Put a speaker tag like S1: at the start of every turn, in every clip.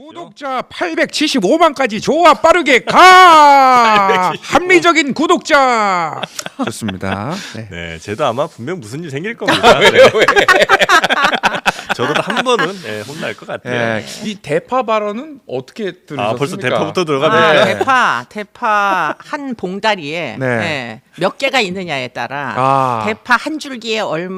S1: 구독자 875만까지 좋아 빠르게 가. 합리적인 구독자. 좋습니다. 네.
S2: 네, 쟤도 아마 분명 무슨 일 생길 겁니다. 왜요? 왜? 저도 한 번은 혼날 것 같아요.
S1: 네. 이 대파 발언은 어떻게 들으셨습니까?
S2: 벌써 대파부터 들어갑니까?
S3: 대파 한 봉다리에
S1: 네.
S3: 몇 개가 있느냐에 따라 대파 한 줄기에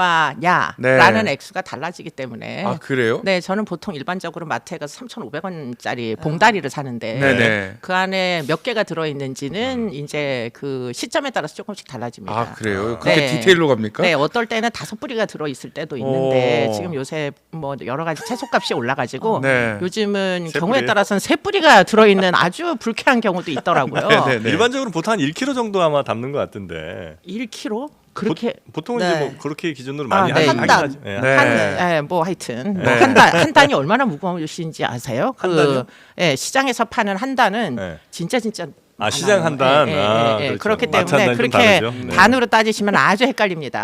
S3: 얼마냐라는 액수가 달라지기 때문에.
S1: 아, 그래요?
S3: 네, 저는 보통 일반적으로 마트에 가서 3,500원짜리 봉다리를 사는데
S1: 네네.
S3: 그 안에 몇 개가 들어 있는지는 이제 그 시점에 따라서 조금씩 달라집니다.
S1: 아, 그래요? 그렇게
S3: 네.
S1: 디테일로 갑니까?
S3: 네, 어떨 때는 5뿌리가 들어 있을 때도 있는데 지금 요새 뭐 여러 가지 채소값이 올라가지고
S1: 네.
S3: 요즘은
S2: 세
S3: 경우에
S2: 뿌리예요?
S3: 따라서는 3뿌리가 들어 있는 아주 불쾌한 경우도 있더라고요.
S1: 네네.
S2: 일반적으로 보통 한 1kg 정도 아마 담는 것 같은데
S3: 1kg? 그렇게
S2: 보통은
S4: 네.
S2: 이제 뭐 그렇게 기준으로 많이
S3: 네.
S2: 하긴
S4: 한 단.
S2: 하죠. 네.
S1: 네.
S3: 뭐 하여튼
S1: 네.
S3: 한 단이 얼마나 무거우신지 아세요?
S2: 한 단이요?
S3: 시장에서 파는 한 단은
S2: 네.
S3: 진짜
S2: 아, 시장 한 단? 그렇죠.
S3: 그렇기
S2: 마트 한
S3: 때문에
S2: 단이 좀
S3: 그렇게
S2: 다르죠. 네.
S3: 단으로 따지시면 아주 헷갈립니다.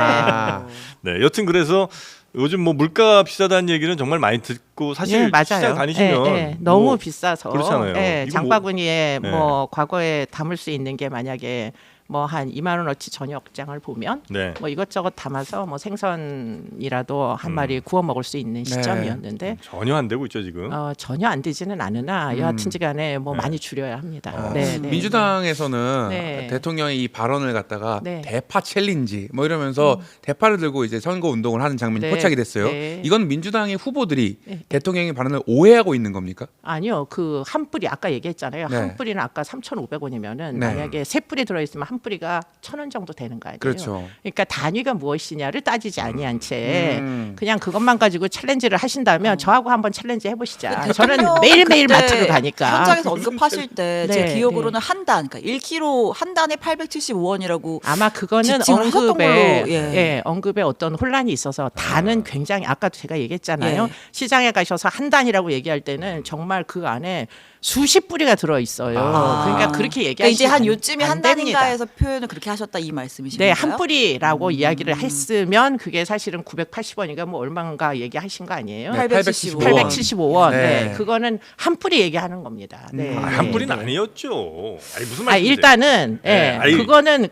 S1: 아.
S2: 네, 여튼 그래서 요즘 뭐 물가 비싸다는 얘기는 정말 많이 듣고 사실
S3: 네, 맞아요.
S2: 시장 다니시면
S3: 너무
S2: 뭐
S3: 비싸서
S2: 그렇잖아요. 이거
S3: 장바구니에
S2: 뭐-
S3: 뭐 과거에 담을 수 있는 게 만약에 뭐 한 2만 원어치 저녁장을 보면
S2: 네.
S3: 뭐 이것저것 담아서 뭐 생선이라도 한 마리 구워 먹을 수 있는 시점이었는데
S2: 전혀 안 되고 있죠 지금.
S3: 전혀 안 되지는 않으나 여하튼지간에 뭐 많이 줄여야 합니다. 네, 네.
S1: 민주당에서는
S3: 네.
S1: 대통령이 이 발언을 갖다가
S3: 네.
S1: 대파 챌린지 뭐 이러면서 대파를 들고 이제 선거 운동을 하는 장면이
S3: 네.
S1: 포착이 됐어요.
S3: 네.
S1: 이건 민주당의 후보들이 대통령의 발언을 오해하고 있는 겁니까?
S3: 아니요, 그 한 뿌리 아까 얘기했잖아요.
S1: 네.
S3: 한 뿌리는 아까 3,500원이면은
S1: 네.
S3: 만약에 세 뿌리 들어있으면 한 뿌리가 1,000원 정도 되는 거 아니에요?
S1: 그렇죠.
S3: 그러니까 단위가 무엇이냐를 따지지 아니한 채
S1: 음.
S3: 그냥 그것만 가지고 챌린지를 하신다면 저하고 한번 챌린지 해보시자. 저는
S4: 대통령
S3: 매일매일
S4: 그때
S3: 마트를 가니까.
S4: 현장에서 언급하실 때 제
S3: 네,
S4: 기억으로는 한 단, 그러니까 1kg 한 단에 875원이라고
S3: 아마 그거는
S4: 지칭을 하셨던
S3: 언급에
S4: 걸로, 예.
S3: 언급에 어떤 혼란이 있어서 단은 굉장히 아까도 제가 얘기했잖아요.
S4: 예.
S3: 시장에 가셔서 한 단이라고 얘기할 때는 정말 그 안에 수십 뿌리가 들어 있어요. 그러니까 그렇게
S4: 그러니까
S3: 얘기하시면
S4: 이제 한 요쯤에
S3: 안
S4: 한
S3: 됩니다.
S4: 단인가에서 표현을 그렇게 하셨다 이 말씀이신가요?
S3: 네, 한 뿌리라고 이야기를 했으면 그게 사실은 980원인가 뭐 얼마인가 얘기하신 거 아니에요?
S1: 네,
S4: 875원.
S3: 875원.
S1: 네.
S3: 네. 그거는 한 뿌리 얘기하는 겁니다. 네.
S2: 한
S3: 네,
S2: 뿌리는
S3: 네.
S2: 아니었죠. 아니 무슨
S3: 아,
S2: 말이세요?
S3: 일단은
S2: 네, 아니.
S3: 그거는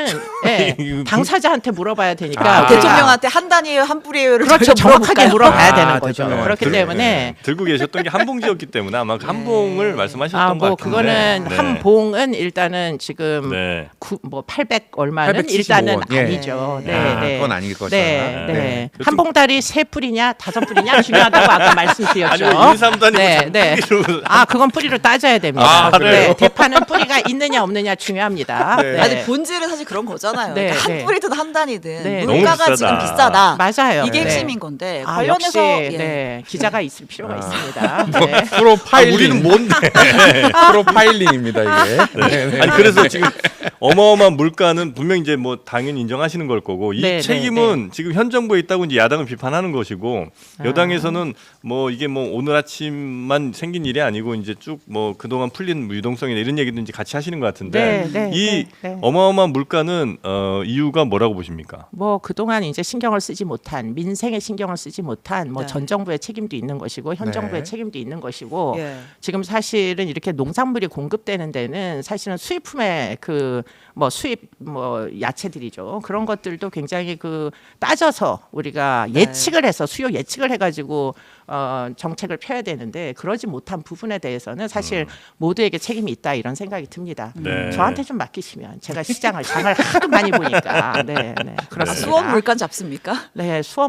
S2: 이거
S3: 당사자한테 물어봐야 되니까
S4: 대통령한테 한 단이에요, 한 뿌리예요를
S3: 그렇죠. 정확하게 물어봐야
S1: 아,
S3: 되는 거죠.
S1: 대통령한테.
S3: 그렇기 때문에
S2: 들고 계셨던 게 한봉지였기 때문에 아마 그 한봉을 말씀하셨던 것
S3: 뭐
S2: 같은데.
S3: 그거는
S2: 네.
S3: 한 봉은 일단은 지금
S2: 네.
S3: 뭐 800 얼마는
S1: 875
S3: 일단은
S1: 예.
S3: 아니죠. 네,
S1: 아,
S3: 네.
S1: 그건 아닐 거다.
S3: 네, 네.
S1: 네.
S3: 한 봉다리 세 뿌리냐 다섯 뿌리냐 중요하다고 아까 말씀드렸죠.
S2: 아니요, 1, 3도 아니고
S3: 네,
S2: 자꾸
S3: 네.
S2: 뿌리로.
S3: 아, 그건 뿌리로 따져야 됩니다.
S1: 아, 그래요?
S3: 네, 대파는 뿌리가 있느냐 없느냐 중요합니다.
S1: 네.
S3: 네.
S4: 아니 본질은 사실 그런 거잖아요.
S3: 네,
S4: 그러니까
S3: 네.
S4: 한 뿌리든 한 단이든
S3: 네.
S4: 물가가
S2: 너무
S4: 지금
S2: 비싸다.
S4: 비싸다.
S3: 맞아요.
S4: 이게
S3: 네.
S4: 핵심인 건데
S3: 아,
S4: 관련해서
S3: 역시
S4: 예.
S3: 네, 기자가 있을 필요가 있습니다. 네.
S1: 프로파일링.
S2: 우리는 뭔데?
S1: 프로파일링입니다 이게. 네, 네.
S2: 아니 그래서 지금 어마어마한 물가는 분명 이제 뭐 당연히 인정하시는 걸 거고 이
S3: 네,
S2: 책임은 지금 현 정부에 있다고 이제 야당은 비판하는 것이고 여당에서는 뭐 이게 뭐 오늘 아침만 생긴 일이 아니고 이제 쭉 뭐 그동안 풀린 유동성이나 이런 얘기도 이제 같이 하시는 것 같은데
S3: 네, 네,
S2: 이
S3: 네.
S2: 어마어마한 물가는 이유가 뭐라고 보십니까?
S3: 뭐 그동안 이제 신경을 쓰지 못한 민생에 신경을 쓰지 못한 뭐
S4: 네.
S3: 전 정부의 책임도 있는 것이고 현
S1: 네.
S3: 정부의 책임도 있는 것이고
S4: 예.
S3: 지금 사실은 이렇게 농산물이 공급되는 데는 사실은 수입품의 그 뭐 수입 뭐 야채들이죠. 그런 것들도 굉장히 그 따져서 우리가 예측을 해서 수요 예측을 해가지고 정책을 펴야 되는데 그러지 못한 부분에 대해서는 사실 모두에게 책임이 있다 이런 생각이 듭니다.
S2: 네.
S3: 저한테 좀 맡기시면 제가 시장을 장을 하도 많이 보니까 네, 네, 그렇습니다.
S4: 수원 물가 잡습니까?
S3: 네, 수원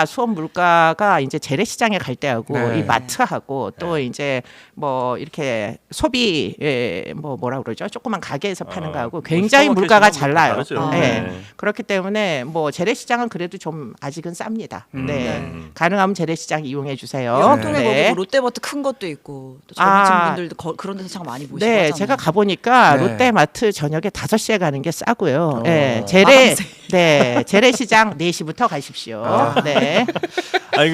S3: 물가가 이제 재래시장에 갈 때하고
S1: 네.
S3: 이 마트하고 또 이제 뭐 이렇게 소비 뭐 뭐라 그러죠? 조그만 가게에서 파는 거하고 굉장히 물가가 달라요.
S2: 다르죠.
S3: 네.
S2: 네.
S3: 그렇기 때문에 뭐 재래시장은 그래도 좀 아직은 쌉니다. 네,
S2: 음.
S3: 가능하면 재래시장 이용해 주세요.
S4: 영통에
S3: 네.
S4: 거기 롯데마트 큰 것도 있고 또
S3: 아.
S4: 젊으신 분들도 그런 데서 참 많이 보시고
S3: 네,
S4: 하잖아요.
S3: 제가 가보니까
S1: 네.
S3: 롯데마트 저녁에 5시에 가는 게 싸고요. 네,
S4: 마감세.
S3: 재래시장 4시부터 가십시오. 네.
S2: 아니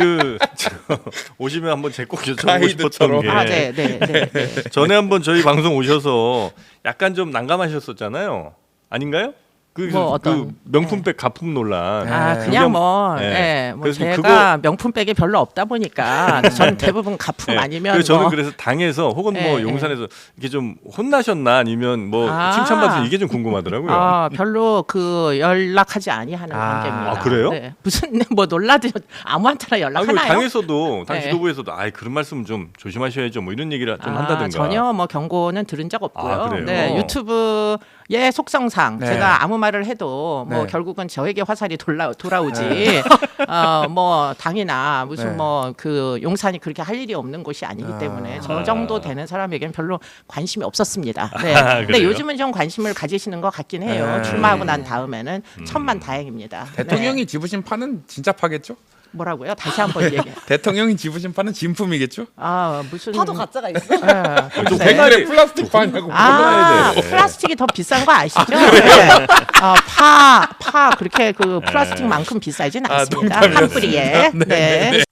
S2: 오시면 한번 제 꼭 여쭤보고
S1: 가이드처럼.
S2: 싶었던 게
S3: 아, 네, 네, 네.
S2: 전에 한번 저희 방송 오셔서 약간 좀 난감하셨었잖아요. 아닌가요?
S3: 뭐 어떤
S2: 그 명품백 가품 논란.
S3: 그냥 뭐,
S2: 네.
S3: 뭐
S2: 그래서
S3: 제가 명품백이 별로 없다 보니까 전 대부분 가품 아니면
S2: 그래서 저는
S3: 뭐
S2: 그래서 당에서 혹은 뭐
S3: 네,
S2: 용산에서 이게 좀 혼나셨나 아니면 뭐
S3: 아.
S2: 칭찬받으셔 이게 좀 궁금하더라고요.
S3: 별로 그 연락하지 아니하는
S1: 아.
S3: 관계입니다.
S2: 아, 그래요?
S3: 네. 무슨 뭐 놀라도 아무한테나
S2: 아니,
S3: 연락하나요?
S2: 당에서도 당
S3: 네.
S2: 지도부에서도 그런 말씀 좀 조심하셔야죠. 뭐 이런 얘기를 좀 한다든가.
S3: 전혀 뭐 경고는 들은 적 없고요.
S2: 아, 그래요?
S3: 네, 유튜브의 속성상
S1: 네.
S3: 제가 아무 말을 해도 뭐
S1: 네.
S3: 결국은 저에게 화살이 돌아오지. 뭐 당이나 무슨
S1: 네.
S3: 뭐 그 용산이 그렇게 할 일이 없는 곳이 아니기 때문에 저 정도 되는 사람에겐 별로 관심이 없었습니다. 네. 근데
S2: 그래요?
S3: 요즘은 좀 관심을 가지시는 것 같긴 해요.
S1: 네.
S3: 출마하고 난 다음에는 천만 다행입니다.
S1: 대통령이
S3: 네.
S1: 집으신 판은 진짜 파겠죠?
S3: 뭐라고요? 다시 한번 얘기해.
S1: 대통령이 집으신 판은 진품이겠죠?
S3: 무슨
S4: 파도 가짜가 있어.
S2: 좀
S3: 글쎄.
S1: 백날에 플라스틱 파냐고.
S2: 물어봐야 돼.
S3: 플라스틱이 더 비싼 거 아시죠? 네. 파 그렇게 그 플라스틱만큼 비싸진 않습니다. 한 뿌리에. 네.